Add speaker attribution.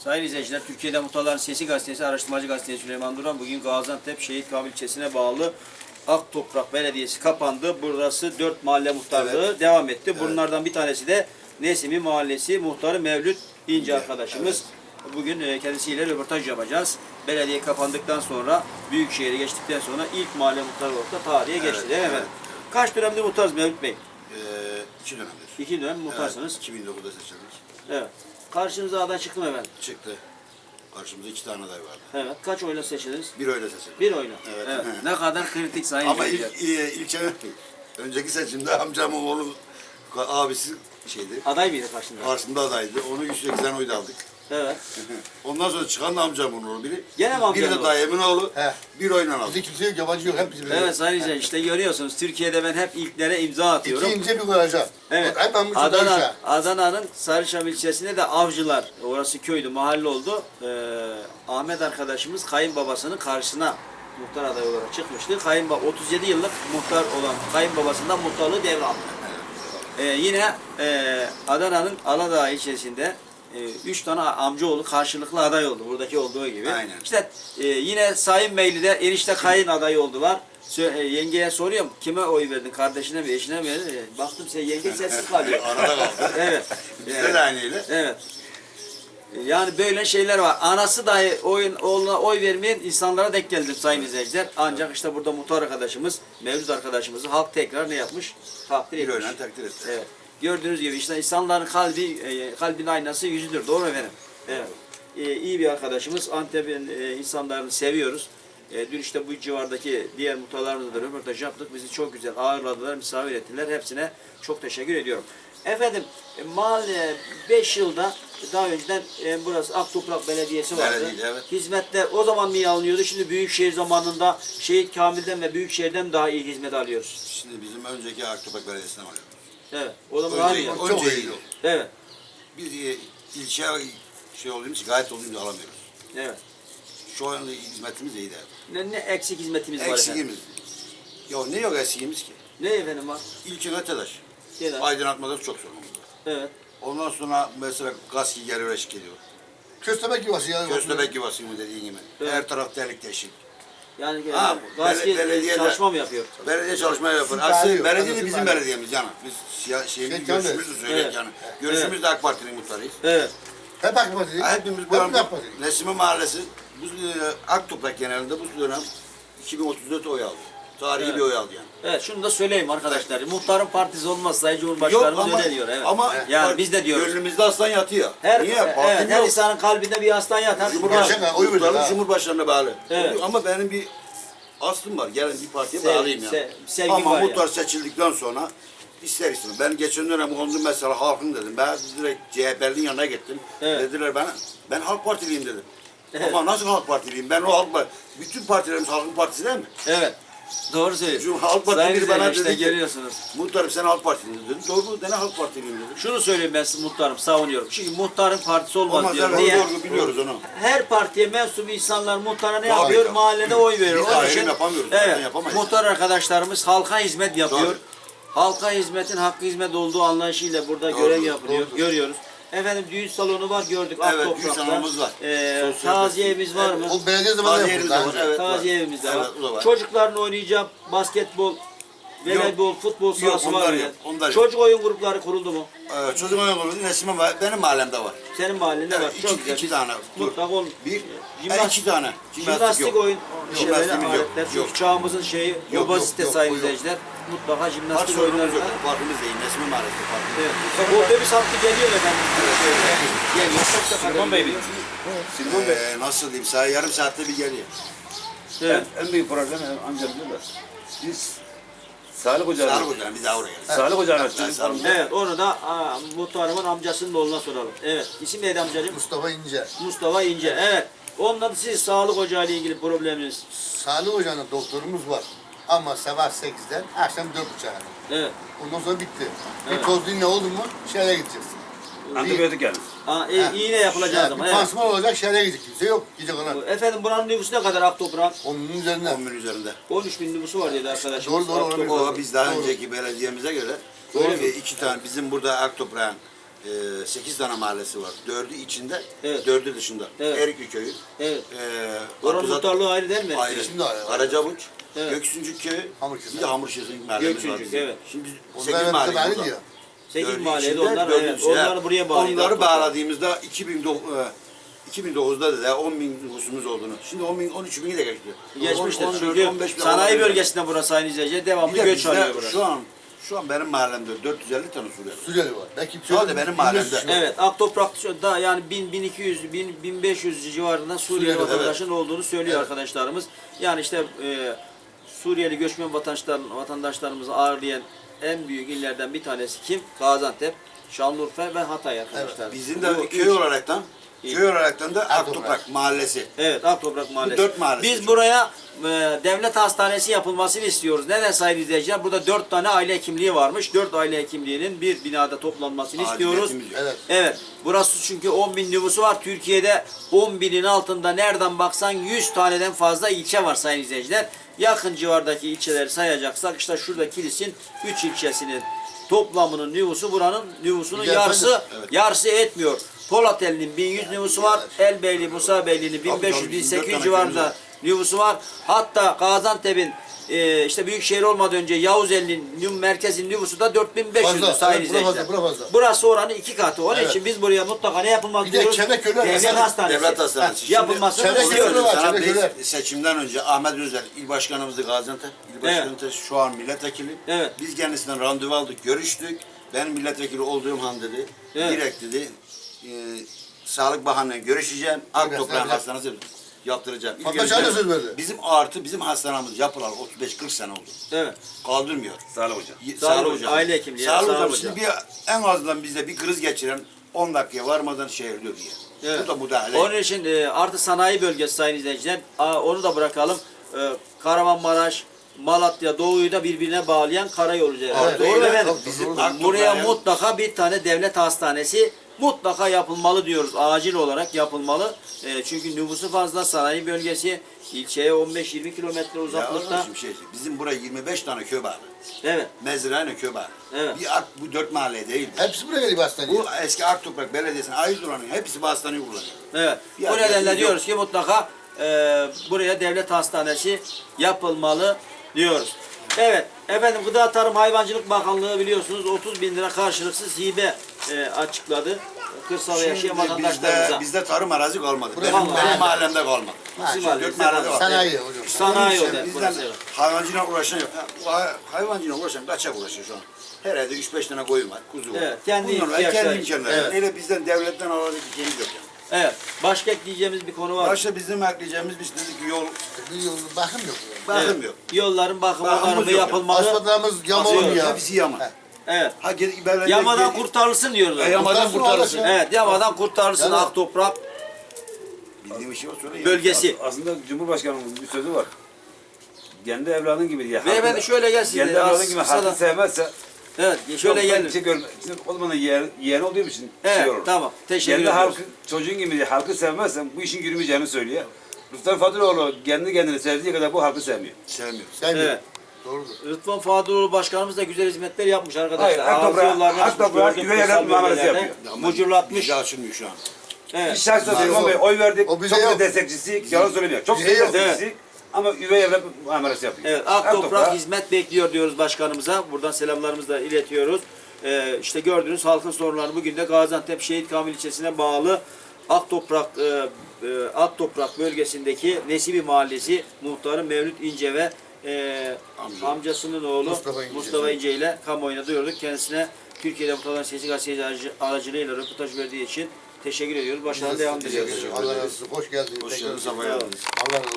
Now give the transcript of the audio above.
Speaker 1: Sayın izleyiciler, Türkiye'de Muhtarların Sesi Gazetesi, Araştırmacı Gazetesi Süleyman Duran bugün Gaziantep Şehit Kamil ilçesine bağlı Aktoprak Belediyesi kapandı. Burası 4 mahalle muhtarlığı devam etti. Evet. Bunlardan bir tanesi de Nesimi Mahallesi muhtarı Mevlüt İnce arkadaşımız. Evet. Bugün kendisiyle röportaj yapacağız. Belediye kapandıktan sonra, Büyükşehir'e geçtikten sonra ilk mahalle muhtarı olarak da tarihe geçti değil mi efendim? Kaç dönemde muhtarız Mevlüt Bey?
Speaker 2: 2 dönemdir.
Speaker 1: 2 dönem muhtarsınız.
Speaker 2: Evet, 2009'da seçildik.
Speaker 1: Evet. Karşınıza aday çıktı mı efendim?
Speaker 2: Çıktı. Karşımızda 2 tane aday vardı.
Speaker 1: Evet. Kaç oyla seçildiniz?
Speaker 2: 1 oyla seçildik.
Speaker 1: 1 oyla.
Speaker 2: Evet.
Speaker 1: Evet. Ne kadar kritik sayın
Speaker 2: Ama
Speaker 1: izleyiciler.
Speaker 2: önceki seçimde amcamın oğlu abisi şeydi.
Speaker 1: Aday mıydı karşında?
Speaker 2: Karşımda adaydı. Onu 180 oyda aldık.
Speaker 1: Evet.
Speaker 2: Ondan sonra çıkan da amcamın oğlu biri.
Speaker 1: Gene mi amcamın
Speaker 2: Biri de
Speaker 1: oğlu?
Speaker 2: dayımın oğlu.
Speaker 3: He.
Speaker 2: 1 oyla aldık.
Speaker 3: Bizde kimse yok, yabancı yok, hep bizim.
Speaker 1: Evet sayın izleyiciler, işte görüyorsunuz Türkiye'de ben hep ilklere imza atıyorum.
Speaker 3: İki ince bir koyacağım.
Speaker 1: Evet.
Speaker 3: Hep ben bu çocuğa.
Speaker 1: Adana'nın Sarıçam ilçesinde de Avcılar, orası köydü, mahalle oldu. Ahmet arkadaşımız kayınbabasının karşısına muhtar adayı olarak çıkmıştı. 37 yıllık muhtar olan kayınbabasından muhtarlığı devraldı. Yine Adana'nın Aladağ ilçesinde 3 tane amcaoğlu karşılıklı aday oldu. Buradaki olduğu gibi.
Speaker 2: Aynen.
Speaker 1: İşte yine Sayın Beyli'de enişte kayın adayı oldular. Yengeye soruyorum, kime oy verdin? Kardeşine mi, eşine mi? Baktım sen yenge sessiz kalıyor.
Speaker 2: Arada kaldı.
Speaker 1: Evet.
Speaker 2: Bizde de aynıyla.
Speaker 1: Evet. Yani böyle şeyler var. Anası dahi oğluna oy vermeyen insanlara denk geldim sayın izleyiciler. Ancak işte burada muhtar arkadaşımız, Mevlüt arkadaşımızı halk tekrar ne yapmış? Takdir
Speaker 2: 1
Speaker 1: etmiş.
Speaker 2: oyla takdir etti.
Speaker 1: Evet. Gördüğünüz gibi işte insanların kalbin aynası yüzüdür. Doğru mu efendim? Evet. İyi bir arkadaşımız. Antep'in insanlarını seviyoruz. Dün işte bu civardaki diğer muhtarlarımızla da röportaj yaptık. Bizi çok güzel ağırladılar, misafir ettiler. Hepsine çok teşekkür ediyorum. Efendim, mahalle 5 yılda daha önceden burası Aktoprak Belediyesi vardı.
Speaker 2: Belediye, evet.
Speaker 1: Hizmetler o zaman mı iyi alınıyordu? Şimdi Büyükşehir zamanında Şehit Kamil'den ve Büyükşehir'den daha iyi hizmet alıyoruz.
Speaker 2: Şimdi bizim önceki Aktopak Belediyesi'ne var.
Speaker 1: Evet. O zaman daha iyi.
Speaker 2: Önce iyi oldu.
Speaker 1: Evet.
Speaker 2: Biz ilçe şey olduğumuz için, gayet olduğumuz alamıyoruz.
Speaker 1: Evet.
Speaker 2: Şu anda hizmetimiz iyi de.
Speaker 1: Ne eksik hizmetimiz var efendim?
Speaker 2: Eksikimiz. Ya ne yok eksiğimiz ki?
Speaker 1: Ne efendim var?
Speaker 2: İlçe TEDAŞ.
Speaker 1: Gel abi.
Speaker 2: Aydınlatmada çok sorunumuz var.
Speaker 1: Evet.
Speaker 2: Ondan sonra mesela gaz geliyor, eşlik ediyor.
Speaker 3: Köstebek yuvası ya.
Speaker 2: Köstebek yuvası mı dediğin gibi.
Speaker 1: Evet.
Speaker 2: Her taraf delik deşik.
Speaker 1: Yani
Speaker 2: Ha, belediye
Speaker 1: çalışma mı yapıyor?
Speaker 2: Belediye çalışma yapar.
Speaker 3: Daha
Speaker 2: Aslında
Speaker 3: yok.
Speaker 2: belediye de
Speaker 3: Anlatım
Speaker 2: bizim
Speaker 3: var.
Speaker 2: belediyemiz yani. Biz şeyimizi,
Speaker 3: tabii.
Speaker 2: görüşümüzü söyledik
Speaker 1: Evet.
Speaker 2: yani. Görüşümüz de AK Parti'nin muhtarıyız.
Speaker 1: Evet.
Speaker 3: Hep AK Parti.
Speaker 2: Hepimiz bu
Speaker 3: Hep AK Parti.
Speaker 2: Nesime Mahallesi, bu Aktoprak genelinde bu dönem 2034 oy aldı. Tarihi
Speaker 1: Evet.
Speaker 2: bir oy aldı yani.
Speaker 1: Evet, şunu da söyleyeyim arkadaşlar. Muhtarın partisi olmaz, Sayın Cumhurbaşkanımız öyle diyor. Evet.
Speaker 2: Ama
Speaker 1: yani biz de diyoruz.
Speaker 2: gönlümüzde aslan yatıyor.
Speaker 1: Her,
Speaker 2: Niye?
Speaker 1: evet,
Speaker 2: Partim
Speaker 1: her
Speaker 2: yok.
Speaker 1: insanın kalbinde bir aslan yatar.
Speaker 3: Cumhurbaşkanı oy verir
Speaker 2: Muhtarlık
Speaker 3: ha.
Speaker 2: Cumhurbaşkanı'na bağlı.
Speaker 1: Evet.
Speaker 2: Ama benim bir aslım var. Gelen bir partiye
Speaker 1: Sevgi-
Speaker 2: bağlıyım yani.
Speaker 1: sevgi
Speaker 2: Ama
Speaker 1: var
Speaker 2: muhtar
Speaker 1: yani.
Speaker 2: seçildikten sonra ister istemez. Ben geçen dönem oldu mesela halkın dedim. Ben direkt CHP'nin yanına gittim.
Speaker 1: Evet.
Speaker 2: Dediler bana, ben Halk Partiliyim dedim.
Speaker 1: Evet.
Speaker 2: Ama nasıl Halk Partiliyim? Ben o Halk Partisi. Bütün partilerimiz Halkın Partisi değil mi?
Speaker 1: Evet. Doğru söylüyorsun.
Speaker 2: Halk Partili
Speaker 1: Sayın
Speaker 2: biri bana
Speaker 1: izleyiciler,
Speaker 2: dedi
Speaker 1: işte
Speaker 2: ki,
Speaker 1: görüyorsunuz.
Speaker 2: muhtarım sen Halk Partiliyim dedim. Doğru, ben Halk Partiliyim dedim.
Speaker 1: Şunu söyleyeyim ben size muhtarım, savunuyorum. Çünkü muhtarın partisi olmaz
Speaker 2: Ama
Speaker 1: diyor.
Speaker 2: sen
Speaker 1: Niye?
Speaker 2: doğru biliyoruz onu.
Speaker 1: Her partiye mensup insanlar muhtara ne
Speaker 2: Tabii,
Speaker 1: yapıyor?
Speaker 2: tabii.
Speaker 1: Mahallede oy veriyor.
Speaker 2: Biz
Speaker 1: Onun
Speaker 2: ayrım
Speaker 1: için
Speaker 2: yapamıyoruz, zaten
Speaker 1: evet,
Speaker 2: yapamayız.
Speaker 1: muhtar arkadaşlarımız halka hizmet yapıyor.
Speaker 2: Tabii.
Speaker 1: Halka hizmetin hakkı hizmet olduğu anlayışıyla burada
Speaker 2: Doğru,
Speaker 1: görev yapılıyor.
Speaker 3: doğrudur.
Speaker 1: Görüyoruz. Efendim düğün salonu var gördük.
Speaker 2: Evet,
Speaker 1: Aktoprak'ta.
Speaker 2: düğün salonumuz var.
Speaker 1: Taziye evimiz var mı?
Speaker 3: O belediye zamanında
Speaker 2: Taziye
Speaker 3: yapıldı.
Speaker 2: evimiz de var, evet.
Speaker 1: Taziye evimiz de var.
Speaker 2: Evet, o da var.
Speaker 1: Çocukların oynayacağı basketbol, voleybol, futbol sahası
Speaker 2: onlar
Speaker 1: var mı?
Speaker 2: yok, onlar yok.
Speaker 1: Çocuk oyun grupları kuruldu mu?
Speaker 2: Çocuk oyun grubu Nesime var. Benim mahallemde var.
Speaker 1: Senin mahallende var. Çok güzel.
Speaker 2: iki tane.
Speaker 1: Mutlaka ol.
Speaker 2: Bir,
Speaker 1: Jimnastik-
Speaker 2: iki tane.
Speaker 1: Jimnastik
Speaker 2: yok.
Speaker 1: oyun şeyleri,
Speaker 2: Jimnastiğimiz yok.
Speaker 1: aletler. Çünkü
Speaker 2: Yok.
Speaker 1: çağımızın şeyi,
Speaker 2: Yok,
Speaker 1: obezite
Speaker 2: yok,
Speaker 1: sayın
Speaker 2: yok.
Speaker 1: izleyiciler. Mutlaka
Speaker 2: Park
Speaker 1: jimnastik
Speaker 2: sorunumuz
Speaker 1: oyunları
Speaker 2: yok.
Speaker 1: var.
Speaker 2: Parkımız değil. Nesime mahallesi parkımız.
Speaker 1: Evet. Bu otobüs hattı geliyor efendim. Geliyor. Çok da
Speaker 4: Silvan Bey mi?
Speaker 2: Nasıl diyeyim? Yarım saatte bir geliyor.
Speaker 1: Evet.
Speaker 4: En büyük problem amcamızda da. Biz Sağlık Ocağı'na,
Speaker 2: Sağlık hocam biz daha oraya geldik.
Speaker 4: Sağlık Ocağı'na
Speaker 2: Ben
Speaker 4: çocuk
Speaker 2: sağlık-
Speaker 1: Evet, onu da muhtarımın amcasının oğluna soralım. Evet. İsim neydi amcacığım?
Speaker 3: Mustafa İnce.
Speaker 1: Mustafa İnce. Evet. Ondan siz sağlık ocağı ile ilgili probleminiz.
Speaker 3: Sağlık ocağında doktorumuz var. Ama sabah 8'den akşam 4.30'a kadar.
Speaker 1: Evet.
Speaker 3: Ondan sonra bitti.
Speaker 1: Evet.
Speaker 3: Bir toz dinle oldu mu şehre gideceğiz.
Speaker 4: antibiyotik yani.
Speaker 1: İğne yapılacak ama.
Speaker 3: Bir
Speaker 1: Evet.
Speaker 3: pansuman olacak şehre gidecek. Kimse yok. Gidecek ona.
Speaker 1: Efendim buranın nüfusu ne kadar Aktoprak'ın?
Speaker 3: Onun üzerine.
Speaker 2: 10 bin üzerinde.
Speaker 1: 13 bin nüfusu var dedi arkadaşımız.
Speaker 3: Doğru, olabilir.
Speaker 2: O biz daha
Speaker 3: Doğru.
Speaker 2: önceki belediyemize göre
Speaker 1: Doğru.
Speaker 2: iki tane bizim burada Aktoprak'ın 8 tane mahallesi var. 4'ü içinde,
Speaker 1: Evet.
Speaker 2: 4'ü dışında.
Speaker 1: Evet.
Speaker 2: Erikli köyü.
Speaker 1: Evet.
Speaker 2: E,
Speaker 1: Oranın
Speaker 2: Abduzat-
Speaker 1: muhtarlığı ayrı değil mi?
Speaker 2: Ayrı.
Speaker 3: Şimdi ayrı.
Speaker 2: Karacabuç,
Speaker 1: Evet.
Speaker 2: Göksüncük köyü,
Speaker 3: Hamurkesir.
Speaker 2: bir de Hamurkesir mahallemiz var
Speaker 1: Göksüncük,
Speaker 2: bizim.
Speaker 1: evet.
Speaker 2: Şimdi biz
Speaker 3: Onlar
Speaker 2: 8
Speaker 3: hepsi
Speaker 2: mahalle
Speaker 3: belli
Speaker 2: burada.
Speaker 3: diyor.
Speaker 1: 8
Speaker 2: Dördü
Speaker 1: mahallede
Speaker 2: içinde,
Speaker 1: onlar,
Speaker 2: dördü
Speaker 1: evet,
Speaker 2: dışında.
Speaker 1: onları buraya bağlıyorlar.
Speaker 2: Onları bağladığımızda 2009'da da 10 bin nüfusumuz olduğunu. Şimdi 10 bin, 13 bini de geçti.
Speaker 1: Geçmiştir
Speaker 2: 14,
Speaker 1: çünkü
Speaker 2: 15 bin
Speaker 1: sanayi
Speaker 2: olabilir.
Speaker 1: bölgesinde burası aynı izleyiciler.
Speaker 2: Bir
Speaker 1: Devamlı
Speaker 2: de
Speaker 1: göç
Speaker 2: bizde
Speaker 1: alıyor burası.
Speaker 2: şu an benim mahallemde 450 tane Suriyeli.
Speaker 3: Suriyeli var. Belki
Speaker 2: Sadece benim mahallemde.
Speaker 1: Evet, Aktoprak'ta yani 1000, 1200, 1500 civarında Suriyeli
Speaker 3: Suriyeli,
Speaker 1: vatandaşın olduğunu söylüyor arkadaşlarımız. Yani işte Suriyeli göçmen vatandaşlarımızı ağırlayan en büyük illerden bir tanesi kim? Gaziantep, Şanlıurfa ve Hatay arkadaşlar.
Speaker 2: Bizim
Speaker 1: Bu
Speaker 2: de köy
Speaker 1: üç-
Speaker 2: olaraktan da Aktoprak Mahallesi.
Speaker 1: Evet, Aktoprak Mahallesi.
Speaker 2: 4 mahallesi.
Speaker 1: Biz buraya devlet hastanesi yapılmasını istiyoruz. Neden sayın izleyiciler? Burada 4 tane aile hekimliği varmış. 4 aile hekimliğinin bir binada toplanmasını istiyoruz.
Speaker 2: Aciliyetimiz yok.
Speaker 3: Evet.
Speaker 1: Evet. Burası çünkü 10 bin nüfusu var. Türkiye'de 10 binin altında nereden baksan 100 taneden fazla ilçe var sayın izleyiciler. Yakın civardaki ilçeleri sayacaksak işte şurada Kilis'in 3 ilçesinin toplamının nüfusu buranın nüfusunun
Speaker 3: Bir de
Speaker 1: yarısı
Speaker 3: efendim,
Speaker 1: yarısı etmiyor. Polateli'nin 1100 nüfusu var. Elbeyli, Musabeyli'nin 1500-1800 civarında nüfusu var. Hatta Gaziantep'in işte büyükşehir olmadan önce Yavuzeli'nin merkezin nüfusu da 4500
Speaker 3: Fazla,
Speaker 1: sayın
Speaker 3: evet, bura fazla,
Speaker 1: izleyiciler.
Speaker 3: bura fazla.
Speaker 1: Burası oranın 2 katı. Onun
Speaker 3: Evet.
Speaker 1: için biz buraya mutlaka ne yapılması
Speaker 3: Bir de
Speaker 1: diyoruz?
Speaker 3: Çeneköler
Speaker 1: Devlet
Speaker 3: mesela,
Speaker 1: hastanesi.
Speaker 2: Devlet hastanesi. Şimdi
Speaker 1: Yapılmasını
Speaker 3: Çeneköler
Speaker 1: istiyoruz.
Speaker 3: var.
Speaker 2: Sana
Speaker 3: Çeneköler.
Speaker 2: biz seçimden önce Ahmet Özel il başkanımızdı Gaziantep. İl başkanı şu an milletvekili.
Speaker 1: Evet.
Speaker 2: Biz kendisinden randevu aldık, görüştük. Ben milletvekili olduğum han dedi.
Speaker 1: Evet.
Speaker 2: Direkt dedi. Sağlık Bakanı'yla görüşeceğim. Aktoprağın
Speaker 3: evet.
Speaker 2: hastanesi yaptıracağım. İlk
Speaker 3: Fatma
Speaker 2: önce
Speaker 3: Çağla söz verdi.
Speaker 2: bizim hastanemiz yapılalı 35-40 sene oldu.
Speaker 1: Evet.
Speaker 2: Kaldırmıyor.
Speaker 4: Sağlık hocam.
Speaker 1: Sağlık hocam, aile hekimliği,
Speaker 2: Sağlık
Speaker 1: sağlık
Speaker 2: hocam.
Speaker 1: hocam.
Speaker 2: Şimdi en azından bizde bir kriz geçiren 10 dakikaya varmadan şey ölüyor diye.
Speaker 1: Evet.
Speaker 2: Bu da müdahale.
Speaker 1: Onun için artı sanayi bölgesi sayın izleyiciler. Onu da bırakalım. Kahramanmaraş, Malatya, Doğu'yu da birbirine bağlayan karayolu üzeri.
Speaker 3: Evet,
Speaker 1: Doğru mu
Speaker 3: evet,
Speaker 1: efendim?
Speaker 3: tabii, doğru.
Speaker 1: Buraya
Speaker 2: Aktoprağın-
Speaker 1: mutlaka bir tane devlet hastanesi mutlaka yapılmalı diyoruz. Acil olarak yapılmalı. Çünkü nüfusu fazla, sanayi bölgesi, ilçeye 15-20 kilometre
Speaker 2: Ya
Speaker 1: uzaklıkta.
Speaker 2: oğlum, bizim buraya 25 tane köy var.
Speaker 1: Evet.
Speaker 2: Mezrane köy var.
Speaker 1: Evet.
Speaker 2: Bu 4 mahalle değil.
Speaker 3: Hepsi buraya geliyor hastaneye.
Speaker 2: Bu eski Aktoprak Belediyesi'nin ait olanın hepsi bu hastaneyi kullanıyor.
Speaker 1: Evet.
Speaker 2: Bir
Speaker 1: Bu nedenle
Speaker 2: alternatif
Speaker 1: diyoruz ki mutlaka buraya devlet hastanesi yapılmalı diyoruz. Evet. Efendim Gıda Tarım Hayvancılık Bakanlığı biliyorsunuz 30 bin lira karşılıksız hibe açıkladı. Kırsalda yaşayan vatandaşlarımıza.
Speaker 2: Bizde tarım arazi kalmadı.
Speaker 3: Burası
Speaker 2: Benim
Speaker 3: mahalle.
Speaker 2: mahallemde kalmadı.
Speaker 1: Bizim
Speaker 2: Şimdi
Speaker 1: mahalle,
Speaker 2: 4 mahallede var.
Speaker 3: Sanayi hocam.
Speaker 1: Sanayi
Speaker 2: Onun
Speaker 1: o
Speaker 2: için
Speaker 1: da
Speaker 2: bizden
Speaker 1: burası, evet.
Speaker 2: hayvancıyla uğraşan yok. Hayvancıyla uğraşan kaçak uğraşıyor şu an. Herhalde 3-5 tane koyun var, kuzu var.
Speaker 1: Evet, kendi
Speaker 2: Bunlar var,
Speaker 1: ihtiyaçları.
Speaker 2: kendi imkanları.
Speaker 1: Evet.
Speaker 2: Öyle bizden devletten alacak bir şeyimiz yok yani.
Speaker 1: Evet. Başka ekleyeceğimiz bir konu var.
Speaker 2: Başta bizim ekleyeceğimiz biz dedik ki yol
Speaker 3: Bir yolun bakım yok.
Speaker 2: bakım
Speaker 1: Evet.
Speaker 2: yok.
Speaker 1: Yolların bakımı
Speaker 2: Bakımımız
Speaker 1: onarımı
Speaker 2: yok
Speaker 1: yapılmalı.
Speaker 3: Asfaltlarımız yama
Speaker 1: Asıyor.
Speaker 3: olmuyor.
Speaker 2: Hepsi yama.
Speaker 3: He.
Speaker 1: Evet.
Speaker 2: Ha, belediye-
Speaker 1: Yamadan kurtarılsın diyoruz.
Speaker 2: Yamadan kurtarılsın.
Speaker 1: Evet, yamadan kurtarılsın
Speaker 3: Yani-
Speaker 1: Aktoprak
Speaker 2: Bildiğim bir şey var söyle.
Speaker 1: bölgesi.
Speaker 4: Aslında Cumhurbaşkanımızın bir sözü var. Kendi evladın gibi diye.
Speaker 1: Beyefendi şöyle gel siz
Speaker 4: Kendi
Speaker 1: de, az
Speaker 4: evladın gibi
Speaker 1: kısa da-
Speaker 4: halkı sevmezse
Speaker 1: Evet, şöyle
Speaker 4: çok
Speaker 1: gelin.
Speaker 4: Şey görme. Şimdi o zaman da yeğen olduğum için
Speaker 1: Evet,
Speaker 4: şey olur.
Speaker 1: tamam. Teşekkür
Speaker 4: Kendi
Speaker 1: ediyoruz.
Speaker 4: halkı, çocuğun gibi diye halkı sevmezsen bu işin yürümeyeceğini söylüyor. Rıfat Fadıloğlu kendi kendini sevdiği kadar bu halkı sevmiyor.
Speaker 2: Sevmiyor.
Speaker 3: Sevmiyor.
Speaker 1: Evet.
Speaker 3: Doğrudur.
Speaker 1: Rıdvan Fadıloğlu başkanımız da güzel hizmetler yapmış arkadaşlar.
Speaker 4: Hayır, Aktoprak-
Speaker 1: Yollarını açmış,
Speaker 4: Aktoprak
Speaker 1: gördüm
Speaker 4: üvey evlat
Speaker 1: kırsal
Speaker 4: muamelesi
Speaker 1: bölgelerde.
Speaker 4: yapıyor.
Speaker 1: Mucurlatmış.
Speaker 2: Bizi açılmıyor şu an.
Speaker 1: Evet.
Speaker 4: Biz şahsen
Speaker 3: Yok.
Speaker 4: söylüyorum ama oy verdik.
Speaker 3: O bize
Speaker 4: Çok da
Speaker 3: yok.
Speaker 4: destekçisi, yalan söylemiyor. Çok
Speaker 3: Bize yok.
Speaker 4: destekçisi ama üvey evlat muamelesi yapıyor.
Speaker 1: Evet, Aktoprak
Speaker 4: Aktoprak-
Speaker 1: hizmet bekliyor diyoruz başkanımıza. Buradan selamlarımızı da iletiyoruz. İşte gördüğünüz halkın sorunları bugün de Gaziantep Şehit Kamil ilçesine bağlı Aktoprak bölgesindeki Nesibi Mahallesi muhtarı Mevlüt İnce ve amcasının oğlu Mustafa İnce ile kamuoyuna duyurduk. Kendisine Türkiye'de Muhtarların Sesi gazeteci aracılığıyla röportaj verdiği için teşekkür ediyoruz. Başarılı devam
Speaker 3: Teşekkür
Speaker 1: diliyoruz.
Speaker 3: ederim. Allah razı olsun. Hoş geldiniz.
Speaker 2: Hoş
Speaker 3: Tekrar
Speaker 2: geldiniz.
Speaker 3: teşekkür
Speaker 2: Sabah
Speaker 3: ederim.
Speaker 2: geldiniz.
Speaker 3: Allah razı olsun.